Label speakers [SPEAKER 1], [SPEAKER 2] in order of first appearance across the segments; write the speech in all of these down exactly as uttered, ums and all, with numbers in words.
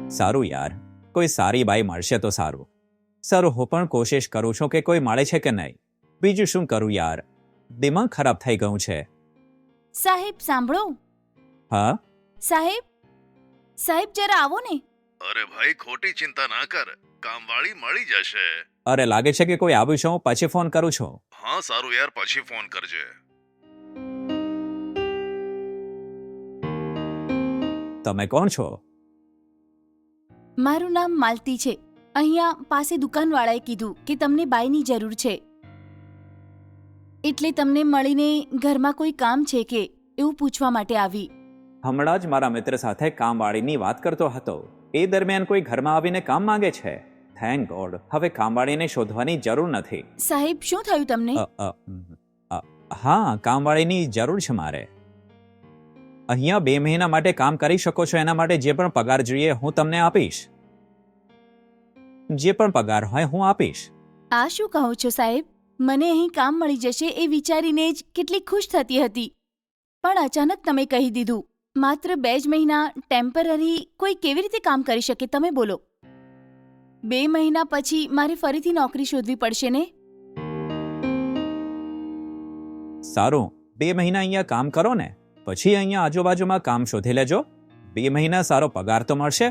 [SPEAKER 1] સારું યાર, કોઈ સારી બાઈ મળશે તો સારું. સારું, હું પણ કોશિશ કરું છું કે કોઈ મળે છે કે નહીં. બીજું શું કરું યાર, દિમાગ ખરાબ થઈ ગયું છે.
[SPEAKER 2] સાહેબ સાંભળો.
[SPEAKER 1] હા
[SPEAKER 2] સાહેબ સાહેબ જરા આવો ને.
[SPEAKER 3] અરે ભાઈ ખોટી ચિંતા ના કર, કામવાળી મળી જશે.
[SPEAKER 1] અરે લાગે છે કે કોઈ આવ્યું છે, હું પછી ફોન કરું છું.
[SPEAKER 3] હા સારું યાર, પછી ફોન કરજે.
[SPEAKER 1] તમે કોણ છો?
[SPEAKER 2] મારું નામ માલતી છે. અહીંયા પાસે દુકાનવાળાએ કીધું કે તમને બાઈની જરૂર છે, એટલે તમને મળીને ઘરમાં કોઈ કામ છે કે એવું પૂછવા માટે આવી.
[SPEAKER 1] હમણાં જ મારા મિત્ર સાથે કામવાળીની વાત કરતો હતો. એ દરમિયાન કોઈ ઘરમાં આવીને કામ માંગે છે. થેન્ક ગોડ, હવે કામવાળીને શોધવાની જરૂર નથી.
[SPEAKER 2] સાહેબ શું થયું તમને?
[SPEAKER 1] અ, અ, અ, હા, કામવાળીની જરૂર છે મારે. અહીંયા બે મહિના માટે કામ કરી શકો છો. એના માટે જે પણ પગાર જોઈએ હું તમને આપીશ. જે પણ પગાર હોય હું આપીશ.
[SPEAKER 2] આ શું કહો છો સાહેબ? મને અહીં કામ મળી જશે એ વિચારીને જ કેટલી ખુશ થતી હતી, પણ અચાનક તમે કહી દીધું. માત્ર બે જ મહિના ટેમ્પરરી કોઈ કેવી રીતે કામ કરી શકે તમે બોલો? બે મહિના પછી મારે ફરીથી નોકરી શોધવી પડશે ને.
[SPEAKER 1] સારું, બે મહિના અહીંયા કામ કરો ને, પછી અહીંયા આજુબાજુમાં કામ શોધી લેજો. બે મહિના સારો પગાર તો મળશે.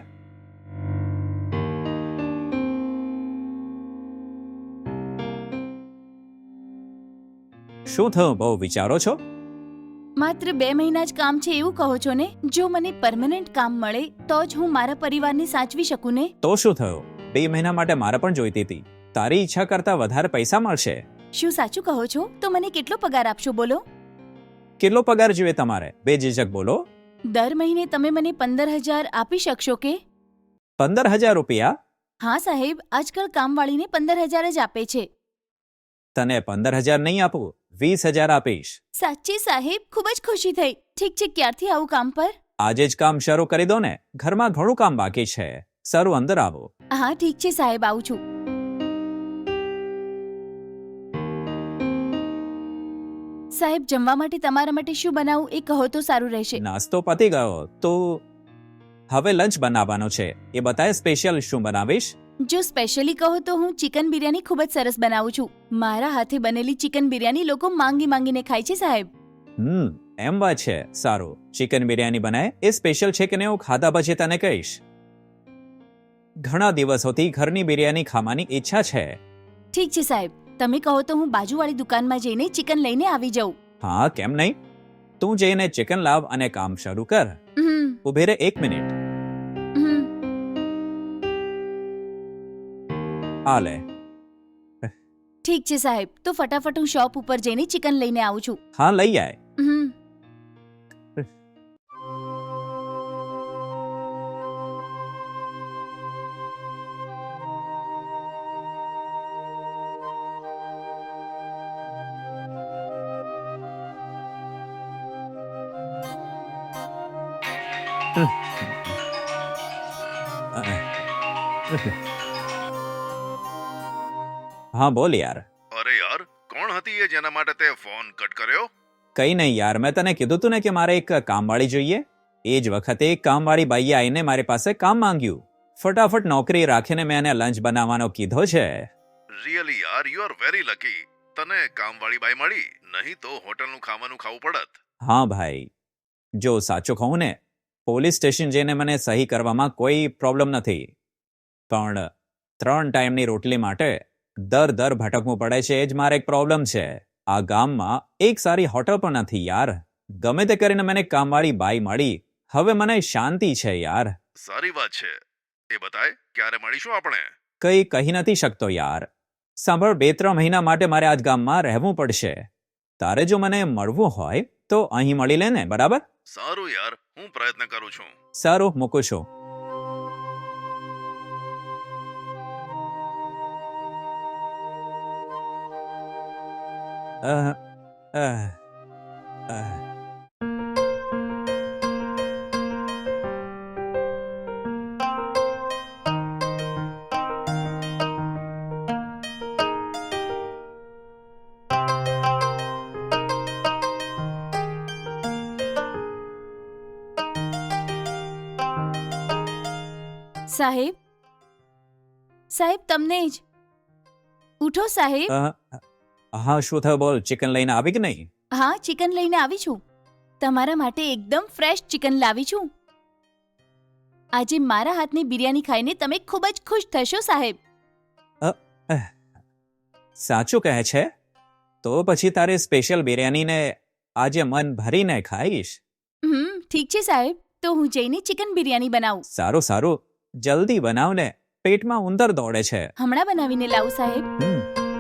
[SPEAKER 1] શું થયું, બહુ વિચારો છો?
[SPEAKER 2] માત્ર બે મહિના જ કામ છે એવું કહો છો ને? જો મને પરમનન્ટ કામ મળે તો જ હું મારા પરિવારને સાચવી શકું ને.
[SPEAKER 1] તો શું થયું, બે મહિના માટે મારે પણ જોઈતી હતી. તારી ઈચ્છા કરતા વધારે પૈસા મળશે.
[SPEAKER 2] શું સાચું કહો છો? તો મને કેટલો પગાર આપશો બોલો?
[SPEAKER 1] કેટલો પગાર જોઈએ તમારે, બેઝિઝક બોલો.
[SPEAKER 2] દર મહિને તમે મને પંદર હજાર આપી શકશો કે?
[SPEAKER 1] પંદર હજાર રૂપિયા?
[SPEAKER 2] હા સાહેબ, આજકાલ કામવાળીને પંદર હજાર જ આપે છે.
[SPEAKER 1] તને પંદર હજાર નહીં આપું, વીસ હજાર આપીશ.
[SPEAKER 2] સાચી સાહેબ, ખૂબ જ ખુશી થઈ. ઠીક છે, ક્યારથી આવું કામ પર?
[SPEAKER 1] આજે જ કામ શરૂ કરી દો ને, ઘરમાં ઘણું કામ બાકી છે. સારું, અંદર આવો.
[SPEAKER 2] હા ઠીક છે સાહેબ, આવું છું. સાહેબ, જમવા માટે તમારા માટે શું બનાવું એ કહો તો સારું રહેશે.
[SPEAKER 1] નાસ્તો પતી ગયો, તો હવે લંચ બનાવવાનો છે. એ બતાય સ્પેશિયલ શું બનાવીશ?
[SPEAKER 2] જો સ્પેશિયલી કહો તો હું ચિકન બિરયાની ખૂબ જ સરસ બનાવું છું. મારા હાથે બનેલી ચિકન બિરયાની લોકો માંગી માંગીને ખાય છે સાહેબ.
[SPEAKER 1] હમ એમ વાત છે. સારું, ચિકન બિરયાની બનાય, એ સ્પેશિયલ છે કે ને હું ખાધા પછી તને કહીશ. ઘણા દિવસોથી ઘરની બિરયાની ખાવાની ઈચ્છા છે.
[SPEAKER 2] ઠીક છે સાહેબ, તમે કહો તો હું બાજુવાળી દુકાનમાં જઈને ચિકન લઈને આવી જાઉં.
[SPEAKER 1] હા, કેમ નહીં. તું જઈને ચિકન લાવ અને કામ શરૂ કર.
[SPEAKER 2] હમ
[SPEAKER 1] ઉભી રહે એક મિનિટ.
[SPEAKER 2] હમ
[SPEAKER 1] આ લે.
[SPEAKER 2] ઠીક છે સાહેબ, તો ફટાફટ હું શોપ ઉપર જઈને ચિકન લઈને આવું છું.
[SPEAKER 1] હા, લઈ આય.
[SPEAKER 2] હમ
[SPEAKER 1] હા બોલ યાર.
[SPEAKER 3] અરે યાર, કોણ હતી એ જેના માટે તે ફોન કટ કર્યો?
[SPEAKER 1] કઈ નહીં યાર, મેં તને કીધું તું ને કે મારે એક કામવાળી જોઈએ. એ જ વખતે એક કામવાળી બાઈએ આવીને મારી પાસે કામ માંગ્યું. ફટાફટ નોકરી રાખીને મેં એને લંચ બનાવવાનો કીધો છે.
[SPEAKER 3] રિયલી યાર, યુ આર વેરી લકી. તને કામવાળી બાઈ મળી, નહીં તો હોટલનું ખાવાનું ખાવું પડત.
[SPEAKER 1] હા ભાઈ, જો સાચું કહું ને, પોલીસ સ્ટેશન જઈને મને સહી કરવામાં કોઈ પ્રોબ્લેમ નથી, પણ ત્રણ ટાઈમની રોટલી માટે દર દર ભટકવું પડે છે, એ જ મારે એક પ્રોબ્લેમ છે. આ ગામમાં એક સારી હોટલ પણ નથી યાર. ગમે તે કરીને મને કામવાળી બાઈ મળી, હવે મને શાંતિ છે યાર.
[SPEAKER 3] સારી વાત છે. એ બતાય, ક્યારે મળીશું આપણે?
[SPEAKER 1] કઈ કહી નથી શકતો યાર. સાંભળ, બે ત્રણ મહિના માટે મારે આજ ગામમાં રહેવું પડશે. તારે જો મને મળવું હોય તો અહીં મળી લે ને, બરાબર?
[SPEAKER 3] સારું યાર, હું પ્રયત્ન કરું છું.
[SPEAKER 1] સારું, મૂકું છું. અહ, અહ, અહ.
[SPEAKER 2] સાહેબ સાહેબ તમને જ. ઉઠો સાહેબ.
[SPEAKER 1] અ, હા શું થયું બોલ, ચિકન લઈને આવી કે નહીં?
[SPEAKER 2] હા, ચિકન લઈને આવી છું. તમારા માટે એકદમ ફ્રેશ ચિકન લાવી છું. આજે મારા હાથની બિરયાની ખાઈને તમે ખૂબ જ ખુશ થશો સાહેબ.
[SPEAKER 1] સાચું કહે છે? તો પછી તારે સ્પેશિયલ બિરયાનીને આજે મન ભરીને ખાઈશ.
[SPEAKER 2] હમ ઠીક છે સાહેબ, તો હું જઈને ચિકન બિરયાની બનાવું.
[SPEAKER 1] સારું સારું, જલ્દી બનાવને, પેટમાં ઉંદર દોડે છે.
[SPEAKER 2] હમણાં બનાવીને લાવું સાહેબ.
[SPEAKER 1] હમ.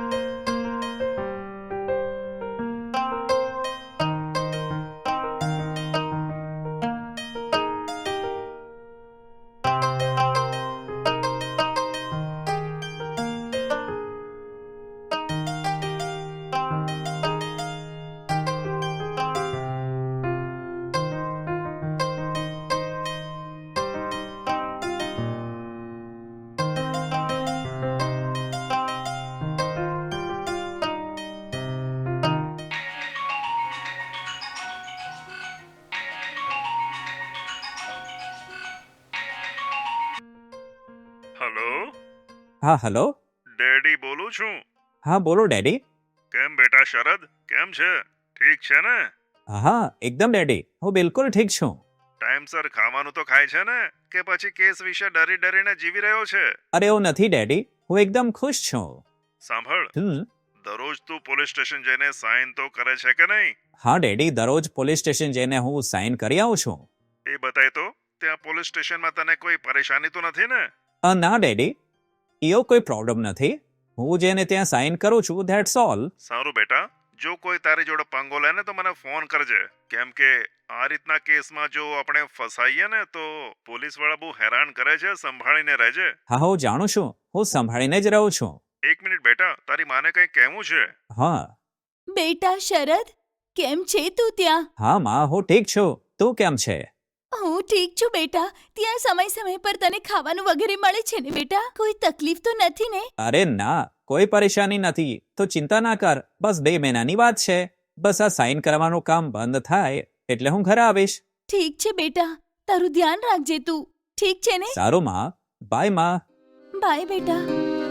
[SPEAKER 3] હેલો,
[SPEAKER 1] હા હલો.
[SPEAKER 3] ડેડી બોલું છું.
[SPEAKER 1] હા બોલો ડેડી.
[SPEAKER 3] કેમ બેટા શરદ, કેમ છે? ઠીક છે ને?
[SPEAKER 1] હા એકદમ ડેડી, હું બિલકુલ ઠીક છું.
[SPEAKER 3] ટાઈમસર ખાવાનું તો ખાય છે ને, કે પછી કેસ વિશે ડરી ડરીને જીવી રહ્યો છે?
[SPEAKER 1] અરે એવું નથી ડેડી, હું એકદમ ખુશ છું.
[SPEAKER 3] સાંભળ,
[SPEAKER 1] હમ.
[SPEAKER 3] દરરોજ તું પોલીસ સ્ટેશન જઈને સાઇન તો કરે છે કે નહીં?
[SPEAKER 1] હા ડેડી, દરરોજ પોલીસ સ્ટેશન જઈને હું સાઇન કરી આવું છું.
[SPEAKER 3] એ બતાય તો, ત્યાં પોલીસ સ્ટેશનમાં તને કોઈ પરેશાની તો નથી ને?
[SPEAKER 1] અ, ના ડેડી, એવો કોઈ પ્રોબ્લેમ નથી. હું જેને ત્યાં સાઇન કરું છું, ધેટ્સ ઓલ.
[SPEAKER 3] સારું બેટા, જો કોઈ તારી જોડે પંગો લે ને તો મને ફોન કરજે, કેમ કે આ રીતના કેસમાં જો આપણે ફસાઈએ ને તો પોલીસ વાળા બહુ હેરાન કરે છે. સંભાળીને રહેજે.
[SPEAKER 1] હા હું જાણું છું, હું સંભાળીને જ રહું છું.
[SPEAKER 3] એક મિનિટ બેટા, તારી માને કંઈ કહેવું છે?
[SPEAKER 1] હા.
[SPEAKER 2] બેટા શરદ, કેમ છે તું ત્યાં?
[SPEAKER 1] હા માં, હું ઠીક છું. તું કેમ છે?
[SPEAKER 2] હું ઠીક છું બેટા. ત્યાં સમય સમય પર તને ખાવાનું વગેરે મળે છે ને બેટા? કોઈ તકલીફ તો નથી ને?
[SPEAKER 1] અરે ના, કોઈ પરેશાની નથી. તો ચિંતા ના કર, બસ બે મહિનાની વાત છે. બસ આ સાઇન કરવાનું કામ બંધ થાય એટલે હું ઘરે આવીશ.
[SPEAKER 2] ઠીક છે બેટા, તારું ધ્યાન રાખજે તું. ઠીક છે ને?
[SPEAKER 1] સારું માં, બાય માં.
[SPEAKER 2] બાય બેટા.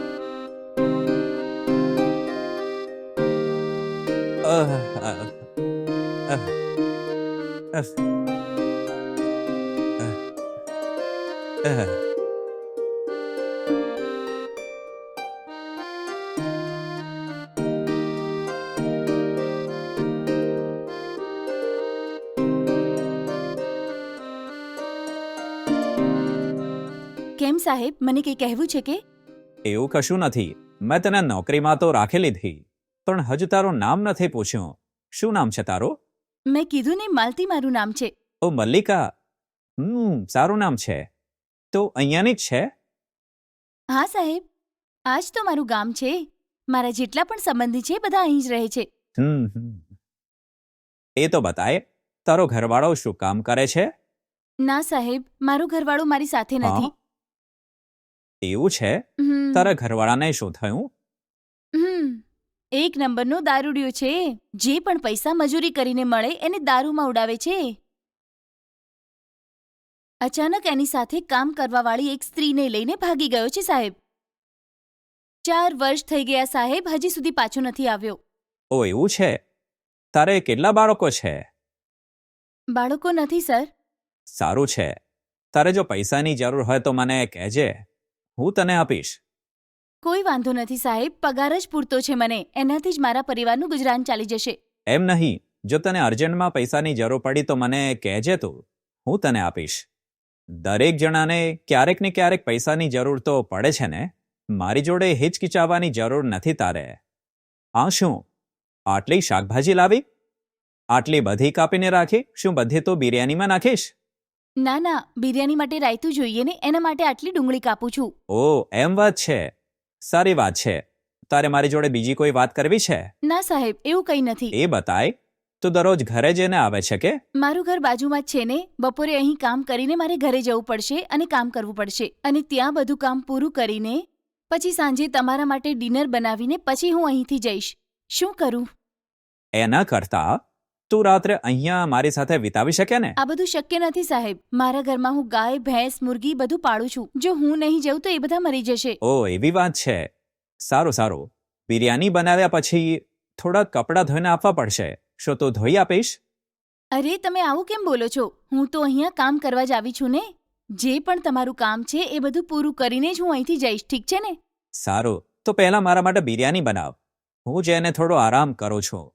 [SPEAKER 1] અહ, અહ, અહ, અહ, અહ, અહ.
[SPEAKER 2] કેમ સાહેબ, મને કંઈ કહેવું છે કે?
[SPEAKER 1] એવું કશું નથી. મેં તને નોકરીમાં તો રાખી લીધી, પણ હજુ તારું નામ નથી પૂછ્યું. શું નામ છે તારું?
[SPEAKER 2] મેં કીધું ને, માલતી મારું નામ છે.
[SPEAKER 1] ઓ મલ્લિકા. હમ સારું નામ છે. તો અહીંયાની જ છે?
[SPEAKER 2] હા સાહેબ, આ જ તો મારું ગામ છે. મારા જેટલા પણ સંબંધી છે બધા અહીં જ રહે છે.
[SPEAKER 1] હમ હમ. એ તો બતાય, તારો ઘરવાળો શું કામ કરે છે?
[SPEAKER 2] ના સાહેબ, મારું ઘરવાળું મારી સાથે નથી.
[SPEAKER 1] હા? એવું છે?
[SPEAKER 2] હમ.
[SPEAKER 1] તારા ઘરવાળાને શું થયું?
[SPEAKER 2] હમ એક નંબરનો દારૂડિયો છે. જે પણ પૈસા મજૂરી કરીને મળે એને દારૂમાં ઉડાવે છે. અચાનક એની સાથે કામ કરવાવાળી એક સ્ત્રીને લઈને ભાગી ગયો છે સાહેબ. ચાર વર્ષ થઈ ગયા સાહેબ, હજી સુધી પાછો નથી આવ્યો.
[SPEAKER 1] ઓ એવું છે? તારે કેટલા બાળકો છે?
[SPEAKER 2] બાળકો નથી સર.
[SPEAKER 1] સારું છે. તારે જો પૈસાની જરૂર હોય તો મને કહેજે, હું તને આપીશ.
[SPEAKER 2] કોઈ વાંધો નથી સાહેબ, પગાર જ પૂરતો છે મને. એનાથી જ મારા પરિવારનું ગુજરાન ચાલી જશે.
[SPEAKER 1] એમ નહીં, જો તને અર્જન્ટમાં પૈસાની જરૂર પડી તો મને કહેજે તું, હું તને આપીશ. દરેક જણાને ક્યારેક ને ક્યારેક પૈસાની જરૂર તો પડે છે ને. મારી જોડે હિચકિચાવવાની જરૂર નથી તારે. આ શું, આટલી શાકભાજી લાવી? આટલી બધી કાપીને રાખી? શું બધી તો બિરયાનીમાં નાખીશ?
[SPEAKER 2] ના ના, બિરયાની માટે રાયતું જોઈએ ને, એના માટે આટલી ડુંગળી કાપું છું.
[SPEAKER 1] ઓ એમ વાત છે. સારી વાત છે. તારે મારી જોડે બીજી કોઈ વાત કરવી છે?
[SPEAKER 2] ના સાહેબ, એવું કંઈ નથી.
[SPEAKER 1] એ બતાય. તું દરરોજ ઘરે જઈને આવે છે કે?
[SPEAKER 2] મારું ઘર બાજુમાં જ છે ને. બપોરે અહીં કામ કરીને મારે ઘરે જવું પડશે અને કામ કરવું પડશે, અને ત્યાં બધું કામ પૂરું કરીને પછી સાંજે તમારા માટે ડિનર બનાવીને પછી હું અહીંથી જઈશ. શું કરું?
[SPEAKER 1] એના કરતાં તું રાત્રે અહીંયા મારી સાથે વિતાવી શકે ને?
[SPEAKER 2] આ બધું શક્ય નથી સાહેબ. મારા ઘરમાં હું ગાય ભેંસ મુર્ગી બધું પાળું છું. જો હું નહીં જઉં તો એ બધા મરી જશે.
[SPEAKER 1] ઓ એવી વાત છે. સારું સારું, બિરયાની બનાવ્યા પછી થોડા કપડાં ધોઈને આપવા પડશે. શું તું ધોઈ આપીશ?
[SPEAKER 2] અરે તમે આવું કેમ બોલો છો? હું તો અહીંયા કામ કરવા જ આવી છું ને. જે પણ તમારું કામ છે એ બધું પૂરું કરીને જ હું અહીંથી જઈશ, ઠીક છે ને?
[SPEAKER 1] સારું, તો પહેલા મારા માટે બિરયાની બનાવ. હું જઈને થોડો આરામ કરું છું.